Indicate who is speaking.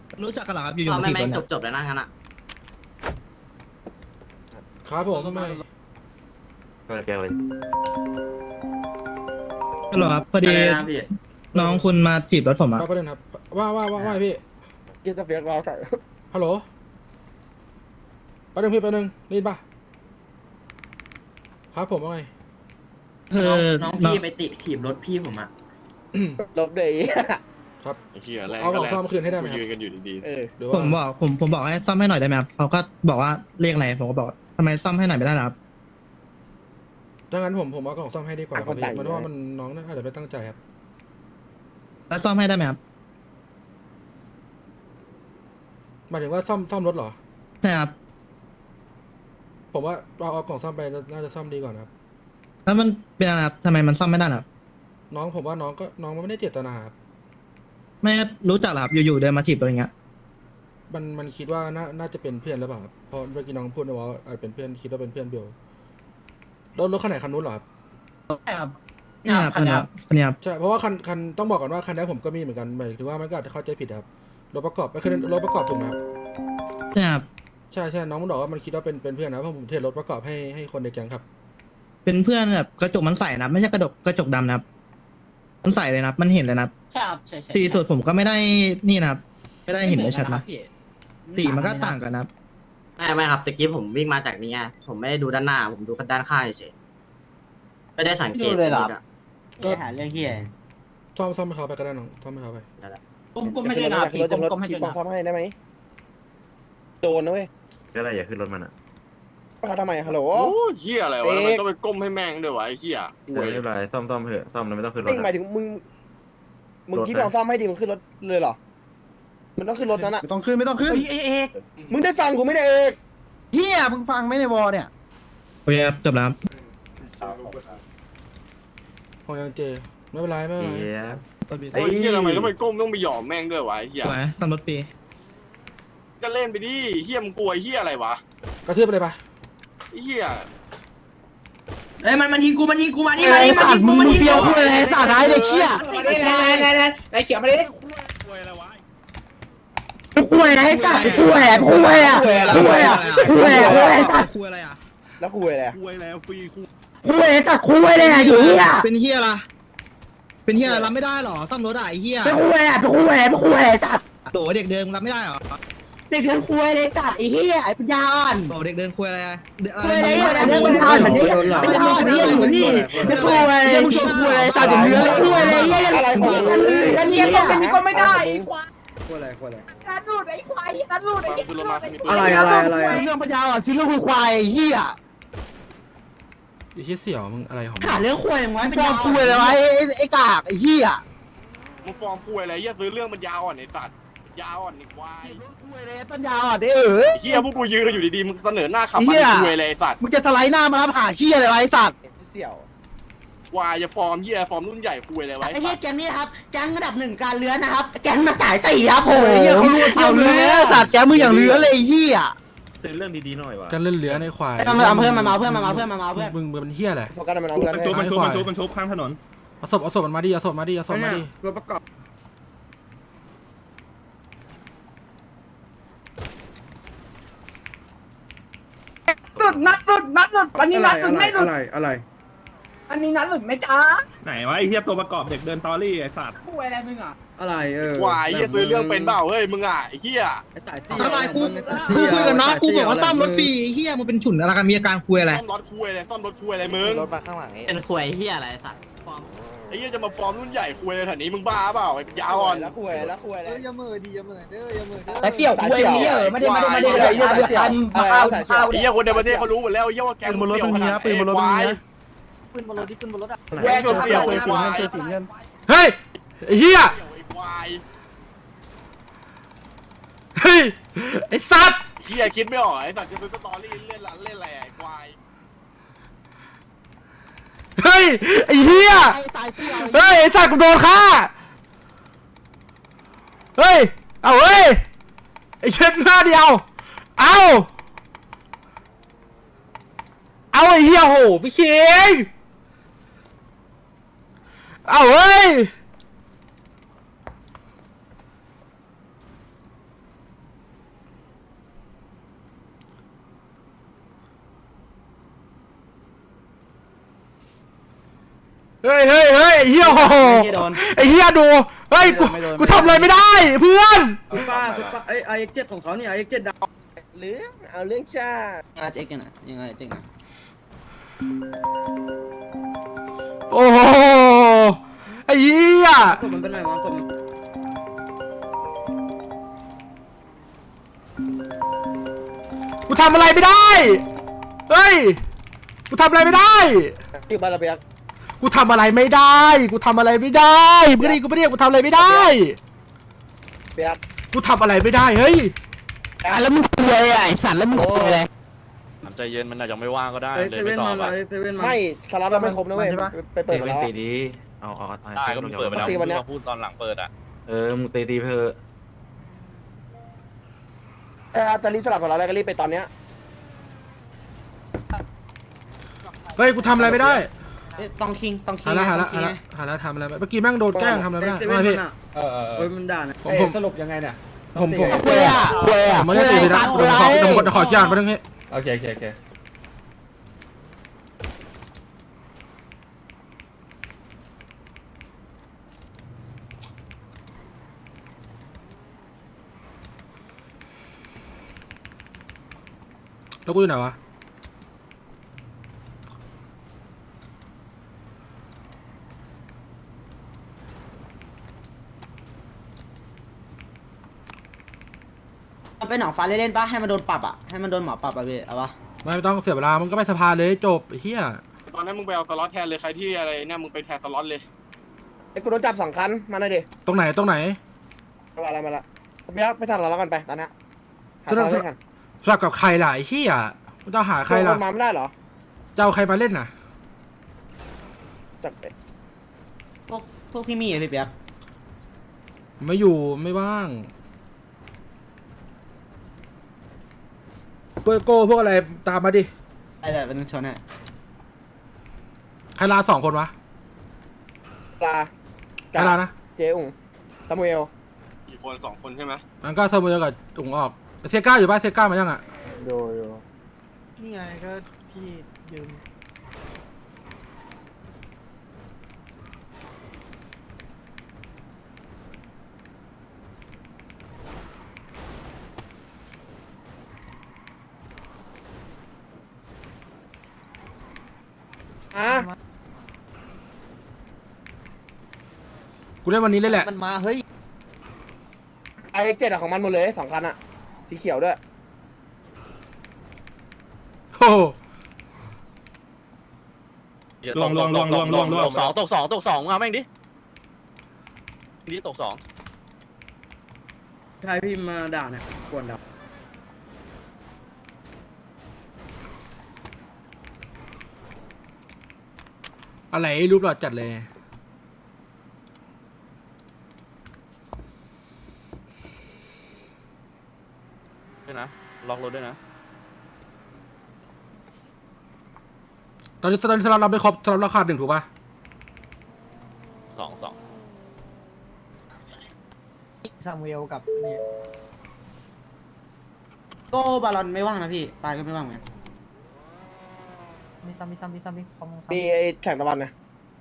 Speaker 1: รู้จักกันเหรอครับอยู่ๆ
Speaker 2: เอา
Speaker 1: มา
Speaker 2: ไม่
Speaker 1: ถีบ
Speaker 2: ไม่
Speaker 1: รถ
Speaker 2: จ
Speaker 1: เนี่ย
Speaker 2: บจบแล้วนั่งกันอ่ะ
Speaker 3: ครับผมไม่
Speaker 4: ก็แกเลย
Speaker 1: ฮัลโหลครับพอดี
Speaker 2: อะไรนะพี่
Speaker 1: น้องคุณมาจีบรถผมอะ
Speaker 3: ประเด็นครับว่าพี่
Speaker 5: กินตะเฟียกเราใส่
Speaker 3: ฮัลโหลประเด็นพี่ประเด็นได้ยินปะครับผมว่าไง
Speaker 1: คือ
Speaker 2: น้องพี่ไปติถีบรถพี่ผมอ่ะ
Speaker 5: ลบเลย
Speaker 3: ครับ
Speaker 6: ไอ้เหี้ยแรง
Speaker 3: เอาของ
Speaker 6: ก็แรง
Speaker 3: ซ่อมคืนให้ได้ไหมครับ
Speaker 6: ยืนกันอยู่ดี
Speaker 5: เออ
Speaker 3: หรือ
Speaker 1: ผ
Speaker 3: ว่าม
Speaker 1: บอกให้ซ่อมให้หน่อยได้ไหมครับเขาก็บอกว่าเรียกอะไรผมก็บอกทำไมซ่อมให้หน่อยไม่ได้ล่ะครับ
Speaker 3: ถ้างั้นผมเอาของซ่อมให้ดีกว่าครับ
Speaker 5: ต่างคนต่าง
Speaker 3: พี่มันว่ามันน้องน่าอาจจะไม่ตั้งใจครับ
Speaker 1: แล้วซ่อมให้ได้ไหมครับ
Speaker 3: หมายถึงว่าซ่อมรถเหรอ
Speaker 1: ใช่ครับ
Speaker 3: ผมว่าเอากล่องซ่อมไปน่าจะซ่อมดีกว่านะครับ
Speaker 1: แล้วมันเป็นอะไรครับทำไมมันซ่อมไม่ได้ล่ะครับ
Speaker 3: น้องผมว่าน้องมันไม่ได้เจตนาครับ
Speaker 1: ไม่รู้จักเหรอครับอยู่ๆเดินมาถีบรถอย่างเงี้ย
Speaker 3: มันคิดว่าน่าจะเป็นเพื่อนหรือเปล่าครับเพราะเมื่อกี้น้องพูดนะว่าอาจเป็นเพื่อนคิดว่าเป็นเพื่อนเบลรถคันไหนคันนู้นเหรอครับ
Speaker 1: ใช่ครับนี่ครับคนนี้ครับคนนี้ครับ
Speaker 3: ใช่เพราะว่าคันต้องบอกก่อนว่าคันนี้ผมก็มีเหมือนกันหมายถึงว่ามันก็อาจจะเข้าใจผิดครับรถประกอบไม่คือรถประกอบถูกไหมครับ
Speaker 1: ใช่ครับ
Speaker 3: ใช่น้องมันบอกว่ามันคิดว่าเป็นเพื่อนนะเพราะผมเทรดรถประกอบให้คนในแก๊งครับ
Speaker 1: เป็นเพื่อนแบบกระจกมันใสนะครับไม่ใช่กระจกดำนะครับมันใสเลยนะครับมันเห็นเลยนะครับ
Speaker 2: ใช่ครับใช่ใช่
Speaker 1: สีสุดผมก็ไม่ได้นี่นะครับไม่ได้เห็นได้ชัดนะสีมันก็ต่างกันนะครับ
Speaker 2: ไม่ครับตะกี้ผมวิ่งมาจากนี้ไงผมไม่ได้ดูด้านหน้าผมดูด้านข้างเฉยไม่ได้สังเกตเลยหรอ
Speaker 3: ก็หาเรื่องเฮียซ่อมให้เขาไปก็ได้น้องซ่อมให้เขาไป
Speaker 5: ก้มไม่ได้นะพี่ก้มไม่ได้นะซ่อมให้ได้ไหมโดนนะเว้ย
Speaker 4: ก็ได้อย่าขึ้นรถมันอ่ะ
Speaker 5: เขาทำไมฮัลโหล
Speaker 6: ๆ โอ้เหี้ยอะไรวะ
Speaker 5: เอ๊ะ
Speaker 6: ทำไมต้องไปก้มให้แม่งด้วยวะไอ้เหี้ย
Speaker 4: เดี๋ยวไม่เป็นไรซ่อมเถอะซ่อมแล้วไม่ต้องขึ้นรถ
Speaker 5: นี่หมายถึงมึงคิดว่าซ่อมให้ดีมึงขึ้นรถเลยเหรอมันต้องขึ้นรถนั้นอะ
Speaker 7: ไม่ต้องขึ้นไม่ต้องขึ้น
Speaker 5: มึงได้ฟังกูไม่ได้เอก
Speaker 7: เฮียมึงฟังไหมในวอเนี่ย
Speaker 1: โอเคครับจบแล้วครับ
Speaker 3: ของยังเจไม่เป็นไรไม่เป็นไร
Speaker 4: เดี๋ยว
Speaker 6: โอ้ยเหี้ยทำไมต้องไปก้มต้องไปหยอมแม่งด้วยวะไอ้เหี้ย
Speaker 1: สวยซ่อมรถปี
Speaker 6: ก็เล่นไปดิเหี้ยมึงกลัวไอ้เหี้ยอะไรวะ
Speaker 3: กระทืบไปเลยปะ
Speaker 6: ไอ้เหี้ย
Speaker 2: เอ้ยมันยิงกูมานี่มา
Speaker 7: ไอ้
Speaker 2: นี่
Speaker 7: สัตว์มึงเฟี้ยวคุยอะไรสัตว์ไอ้เด็กเชี่ย
Speaker 5: ไอ้เขียวมาดิ
Speaker 7: คุยอะไรสัตว์คุยอะไรคุยอะไรคุยอะไรสัตว์
Speaker 1: คุยอะไรอ่ะ
Speaker 5: แล้วคุยอะไร
Speaker 6: คุยแล้วฟรีคุ
Speaker 7: คุยอะไรสัตว์คุยอะไรอ่ะเฮีย
Speaker 1: เป็นเฮียอะไรเป็นเฮียอะไรรับไม่ได้หรอซ่อมรถอ่ะไอ้เฮีย
Speaker 7: ไปคุยอะไรไปคุยอะไรไปคุยอะไรสัตว์
Speaker 1: โตเด็กเดินรับไม่ได้หรอ
Speaker 7: เด็กเดินคุยอะไรสัตว์ไอ้เฮียไอ้ปัญญาอ่อน
Speaker 1: โตเด็กเดินคุยอะไรเด็ก
Speaker 7: คุยอะไรอะไรเรื่องปัญญาอ่อนแบบนี้ปัญญาอ่อนนี่อยู่นี่ไม่คุยอะไรมึงชมคุยอะไรสัตว์อย่างเดียวคุยอะไรเฮียอะไรของมึงกันเฮียตรงนี้ก็ไม่ได้
Speaker 5: คุยอะไรคุยอะไร
Speaker 7: การดูดไอ้ควายการดูดไอ้
Speaker 6: คือรถมาสักนิด
Speaker 5: อะไร
Speaker 7: เรื่องปัญญาอ่อนซิลูกควายเฮีย
Speaker 3: ไอ้เหี้ยเสี่ยวมึงอะไรของมึง
Speaker 7: หาเรื่องคุยอย่างวะฟอร์มคุยเลยวะไอ้กากไอ้เฮีย
Speaker 6: มึงฟอร์มคุยอะไรเหี้ยซื้อเรื่องมันยาวอ่อนไอ้สัตว์ยาวอ่อนไอ้ควาย
Speaker 7: คุยเลยปัญญาอ่อนไอ้เอ๋
Speaker 6: ไอ้เหี้ยพวกกูยืนกันอยู่ดีๆมึงเสนอหน้าขับ
Speaker 7: เหี้
Speaker 6: มาย คุยอะไรไอ้สัตว์
Speaker 7: มึงจะสไลด์หน้ามาผ่าเฮียอะไรวะไอ้สัตว์
Speaker 5: เสี่ยว
Speaker 6: วายจะฟอร์มเหี้ยฟอร์มรุ่นใหญ่คุยอะไรไว้
Speaker 7: ไอ้เฮียแก๊งนี้ครับแก๊งระดับ1การเลื้อนนะครับแก๊งมาสาย4ครับผมเอาเลื้อนสัตว์แก๊งมึงอย่างเลื้อนเลยเฮีย
Speaker 4: ซื้อเรื่องดีๆหน่อยวะ
Speaker 3: กันเล่นเหลือในควาย
Speaker 7: เอาเพื่อนมาเพื่อนมาเพื่อนมาเพื่อน
Speaker 3: มึงเป็นเหี้ยอะไร
Speaker 5: โฟกัสมันเอาเพื่อน
Speaker 3: มันชุบข้างถนนเอาศพมันมาดิเอาศพมาดิ
Speaker 5: รถประกอบ
Speaker 8: หลุดนัดหลุดอันนี้นัดหลุดไม่หลุด
Speaker 5: อะไร
Speaker 8: อันนี้นัดหลุดไม่จ้า
Speaker 9: ไหนวะไอ้เหี้ยตัวประกอบเด็กเดินตอรี่ไอ้สัตว์
Speaker 8: คุยอะไรมึงอ่ะ
Speaker 5: อะไร
Speaker 6: ควายเหี้ยซื้อเรื่องเป็นเปล่าเฮ้ยมึงอ่ะไอ้เหี้ย
Speaker 1: อะไรกูคุยกับน้องกูบอกว่าซ่อมรถฟรีเฮียมึงเป็นฉุนอะไรกันมีอาการคุยอะไร
Speaker 6: ซ่อมรถคุยอะไรซ่อมรถคุยอะไรมึง
Speaker 5: รถมาข้างหลังนี้
Speaker 2: เป็นควยเฮียอะไรสัตว์
Speaker 6: ไอ้เหี้ยจะมาฟอร์มรุ่นใหญ่คุยอะไรแถวนี้มึงบ้าเปล่าไอ้ยาวอ่อน
Speaker 5: แล้วคุยแล้ว
Speaker 7: อย่าเมื่อดีอย่าเมื่อเด้ออย่าเมื่อ
Speaker 8: แต่เสี่ยวคุยนี่ไม่ได้
Speaker 6: ไอ้เหี้ยคนในประเทศเขารู้หมดแล้วไอ้เหี้ยว่าแกมึงเสี่ยวขนาดไหนควาย
Speaker 8: ปืนบนรถดิปืนบนรถอ่ะ
Speaker 6: แวกเสี่ยวไอ้ควาย
Speaker 3: เฮ้ยไอ้เหี้ย
Speaker 6: ไอ้ควาย
Speaker 3: เฮ้ยไอ้สัตว์
Speaker 6: เหี้ยคิดไม่ออกไอ้สัตว์จะซื้อสตอรี่เล่นอะไรไอ้ควาย
Speaker 3: เฮ้ยไอ้เหี้ยเฮ้ยไอ้สัตว์กูโดนฆ่าเฮ้ยเอาเฮ้ยไอ้เช็ดหน้าเดียวเอาไอ้เหี้ยโหพี่เชงเอาเฮ้ยเฮ้ยไอ้เหี้ยโอ้โหไอ้เหี้ยดูเฮ้ยกูทำอะไรไม่ได้เพื่อน
Speaker 5: คุณป้าไอ้เจ็ดของเขาเนี่ยไอ้เจ็ดดาวเรื่องเอาเรื่องชา
Speaker 7: เจ๊กันนะยังไงเจ๊กันนะ
Speaker 3: โอ้โหไอ้เหี้ย
Speaker 5: ผมมันเป็นไรวะผม
Speaker 3: กูทำอะไรไม่ได้เฮ้ยกูทำอะไรไม่ได้
Speaker 5: อยู่บ้านระเบียง
Speaker 3: กูทำอะไรไม่ได้กูทำอะไรไม่ได้มึงก็ดีกูไม่ได้กูทำอะไรไม่ได้
Speaker 5: เบียง
Speaker 3: กูทำอะไรไม่ได้เฮ้ย
Speaker 7: แล้วมึงคุยไอ้สัตว์แล้วมึงคุยอะไร
Speaker 6: ใจเย็นมันอาจจะไม่ว่างก็ได้เลยไม่ตอบ
Speaker 5: ไม่สล็อตเราไม่ครบนะเว้ยไปเปิด
Speaker 4: ตี
Speaker 5: มา
Speaker 4: มัน
Speaker 5: แล้ว
Speaker 4: ตีดีเอา
Speaker 6: ได้ก็มึงเปิดไปแล้ว
Speaker 5: ตีวันเนี้ย
Speaker 6: มึงพูดตอนหลังเปิดอ่ะ
Speaker 4: มึงตีเพื่อ
Speaker 5: จะรีบสลับกับเราอะไรก็รีบไปตอนเนี้ย
Speaker 3: เฮ้ยกูทำอะไรไม่ได้
Speaker 7: ต้องคิง
Speaker 3: หาละทำอะไรเมื่อกี้แม่งโดนแกล้งทำอะไรไม่ได้ไม่พี่
Speaker 5: เฮ้ยมันด่านะ
Speaker 3: ผมสรุปยังไงเนี่ยผมไม่ได้ตีเลยนะขอขี้อ่านไปตรงนี้
Speaker 9: โอเค
Speaker 3: แล้วกูอยู่ไหนวะ
Speaker 7: มันเป็นหนังฟ้าเล่นๆป่ะให้มันโดนปรับอ่ะให้มันโดนหมอปรับอ่ะพี่เอาวะ
Speaker 3: ไม่ต้องเสียเวลามึงก็ไปสภาเลยจบเฮีย
Speaker 6: ตอนนั้นมึงไปเอาสล็อตแทนเลยใครที่อะไรเนี่ยมึงไปแทนสล็อตเลย
Speaker 5: ไอ้กูโดนจับ2 คันมาหน่อยดิ
Speaker 3: ตรงไหน
Speaker 5: มาละเบียงไปทำเราแล้วกันไปตอนนี้หาทางเล่นกัน
Speaker 3: สลับกับใครล่ะไอ้เฮียมึงต้องหาใครล่ะ
Speaker 5: มาไม่ได้เหรอ
Speaker 3: จะเอาใครมาเล่นน่ะ
Speaker 5: จับ
Speaker 7: พวกพี่มี่อะพี่เปียก
Speaker 3: ไม่อยู่ไม่ว่างเปอร์โก้พวกอะไรตามมาดิ
Speaker 7: ได้เป็นชนอ่ะ
Speaker 3: ใครลา2 คนวะ
Speaker 5: ปลา
Speaker 3: ใครลานะ
Speaker 5: เจ๊อุ๋งซามูเอล
Speaker 6: กี่คน2 คนใช่ไหม
Speaker 3: มันก็เสมอกับถุงออกเซก้าอยู่ป่ะเซก้ามายังอ่ะ
Speaker 5: โดย
Speaker 8: นี่ไงก็พี่ยืม
Speaker 3: กูเล่นวันนี้เลยแหละ
Speaker 7: มันมาเฮ้ย
Speaker 5: ไอ้เจ็ดของมันหมดเลย2 คันอะสีเขียวด้วย
Speaker 3: โอ้โห
Speaker 9: ลวง
Speaker 6: ตกสองมาแม่งดินี่ตก 2
Speaker 5: ใช่พี่มาด่าเนี่ยกวนด่า
Speaker 3: อะไรรูปหล่อจัดเลย
Speaker 6: ด้วยนะล็อกรถด้วยนะ
Speaker 3: ตอนนี้สล็อตเราไม่ครบสล็อตราคา1ถูกป่ะ
Speaker 6: 2
Speaker 8: ซามูเอลกับนี่
Speaker 7: โก้บาลอนไม่ว่างนะพี่ตายก็ไม่ว่างเหมือนกัน
Speaker 8: มีซ้ำคอม
Speaker 5: มีไอ้แข่งตะวันนะ